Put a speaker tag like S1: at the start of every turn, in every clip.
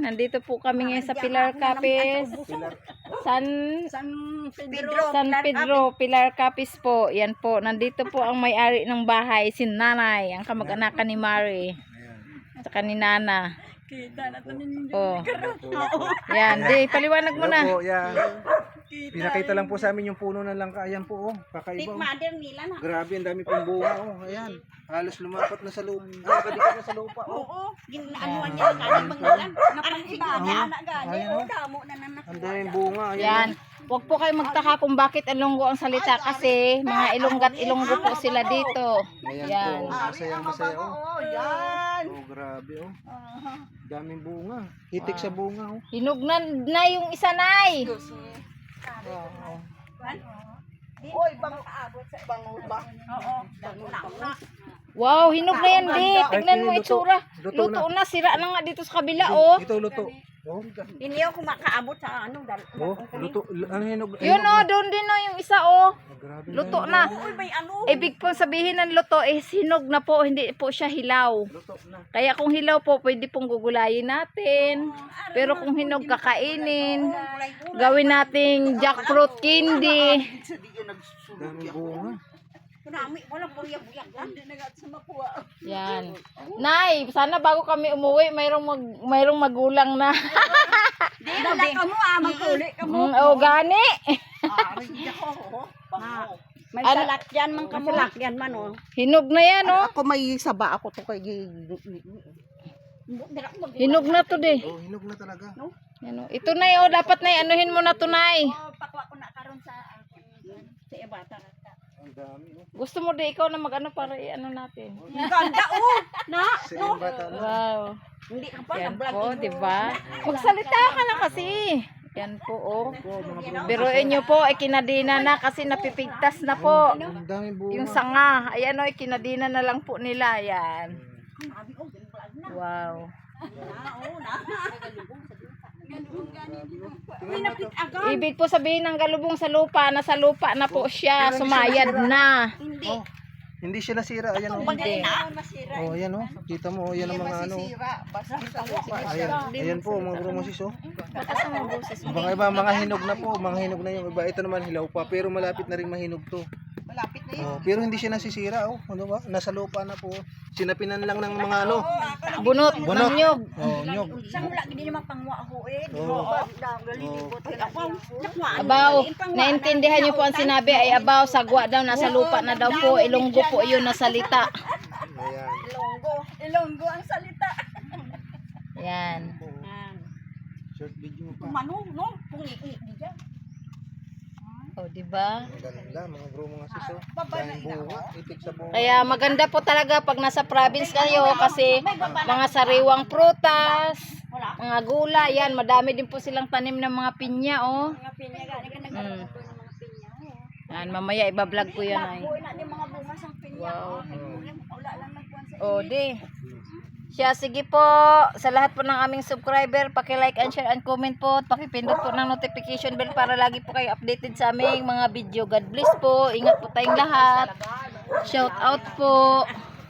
S1: nandito po kami ngayon sa Pilar Capis. San Pedro, Pilar Capis po. Yan po, nandito po ang may-ari ng bahay, si Nanay, ang kamag-anakan ni Mari. At ni Nana.
S2: Kita na ito ninyo.
S1: Oh. Yan, di, paliwanag mo na.
S3: Opo, yan. Pinakita lang po sa amin yung puno ng langka. Ayan po, oh. Kakaiba. Oh.
S2: nila na.
S3: Grabe, ang dami pong bunga, oh. Ayan. Halos lumapat na sa lupa. Nakadikat na sa lupa, oh.
S2: Oo. Ginaanuan niya ng kanin bangulan. Napang iba. Anak gani.
S3: Ayan, oh.
S2: Damo na nanak.
S3: Ang daming bunga. Ayan.
S1: Yan. Huwag po kayo magtaka kung bakit Ilonggo ang salita kasi mga Ilonggat Ilonggo po sila dito.
S3: Ayan
S1: Yan.
S3: po. Masayang masaya, oh.
S2: Oo, yan.
S3: Oh, grabe, oh. Daming bunga. Hitik sa bunga, oh.
S1: Hinog na yung isa, Nay.
S2: Oy, bango kaabot sa bango ba? Oo. Bango.
S1: Wow, hinog na yan, Di. Tignan mo
S3: Luto.
S1: itsura.
S3: Luto
S1: Luto na. Sira na nga dito sa kabila, oh.
S3: Ito, luto. Oh,
S2: Hindi ako makaabot sa ano.
S3: oh, luto. Ano hinog?
S1: Yun, oh. Doon din, oh, yung isa, oh.
S3: Grabe.
S1: Luto na.
S2: Uy, may ano.
S1: Ibig po sabihin ng luto is hinog na po, hindi po siya hilaw.
S3: Luto na.
S1: Kaya kung hilaw po, pwede pong gugulayin natin. Pero kung hinog, kakainin. Gawin nating jackfruit candy.
S3: Daming bunga.
S2: Kunami, wala buyag-buyag lang. Hindi nagat sa makuha.
S1: Yan. Nay, sana bago kami umuwi, mayroong magulang na.
S2: Di na ka mo magkuli ka mo.
S1: Oh, gani.
S2: Ari ako. May salakyan man ka mo. Salakyan man oh.
S1: Hinog na yan, oh.
S2: Ako may saba ako to kay
S1: Hinog na to, Di.
S3: Oh, hinog na talaga.
S1: Yan, oh. Ito, Nay, oh. Dapat, Nay, anuhin mo na to, Nay.
S2: Pakwa ko na karon sa ibata.
S3: Ang dami, oh.
S1: Gusto mo, Di, ikaw na mag-ano para i-ano natin.
S2: Ganda oh. Na.
S3: Sa iyong bata na.
S1: Wow.
S2: Hindi ka pa
S1: Yan
S2: na-vlog.
S1: po, di ba? Magsalita ka na kasi. Yan po, oh. Biruin nyo po, ay kinadina na kasi napipigtas na po.
S3: Ang daming bunga.
S1: Yung sanga, ayan o, kinadina na lang po nila. Yan. Wow. Ibig po sabihin ng galubong sa lupa, nasa lupa na po siya, sumayad na.
S2: Hindi.
S3: Oh, hindi siya nasira. Ayan, oh.
S1: Hindi.
S3: Oh, ayan, oh. Kita mo, oh. Yan ang mga ano. Ayan, ayan po, mga bromosis, oh. Baka iba, mga hinog na po. Mga hinog na yung iba. Ito naman, hilaw pa. Pero malapit na rin mahinog to.
S2: Malapit na yun.
S3: Oh, pero hindi siya nasisira, oh. Ano ba? Nasa lupa na po. Sinapinan lang ng mga ano.
S1: Bunot,
S3: Bunot.
S1: ng nyog.
S3: Oh, nyog.
S2: Sa mula gini naman pangwa ako eh.
S3: Oo.
S1: Abaw, naintindihan niyo po ang sinabi ay abaw, sagwa daw, nasa lupa na daw po. Ilonggo po yun na salita.
S3: Ayan.
S2: Ilonggo ang salita.
S1: Yan.
S3: Short video pa.
S2: Mano, no? Pungi-i di dyan.
S1: O, diba?
S3: Ang ganda, mga bro, mga sis, oh. Daming bunga. Itik sa bunga.
S1: Kaya maganda po talaga pag nasa province kayo kasi mga sariwang prutas, mga gula, yan, madami din po silang tanim ng mga pinya, oh.
S2: Mga pinya gani ka nagkaroon ng mga pinya.
S1: Yan, mamaya ibablog ko yan ay.
S2: Buhay na di mga bunga sang pinya.
S1: Wow.
S2: Wala lang nagkuhan sa
S1: O, di. Siya, sige po, sa lahat po ng aming subscriber, paki-like and share and comment po, at pakipindot po ng notification bell para lagi po kayo updated sa aming mga video. God bless po, ingat po tayong lahat. Shout out po.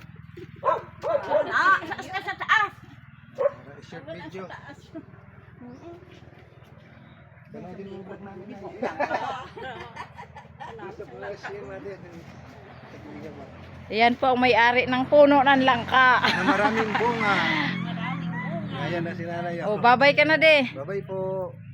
S2: sa taas.
S3: Short video. Ganun din yung vlog namin.
S1: Ayan po ang may-ari ng puno ng langka.
S3: Na maraming bunga. Ayan na si nanay.
S1: O, babay ka na, de.
S3: Bye-bye po.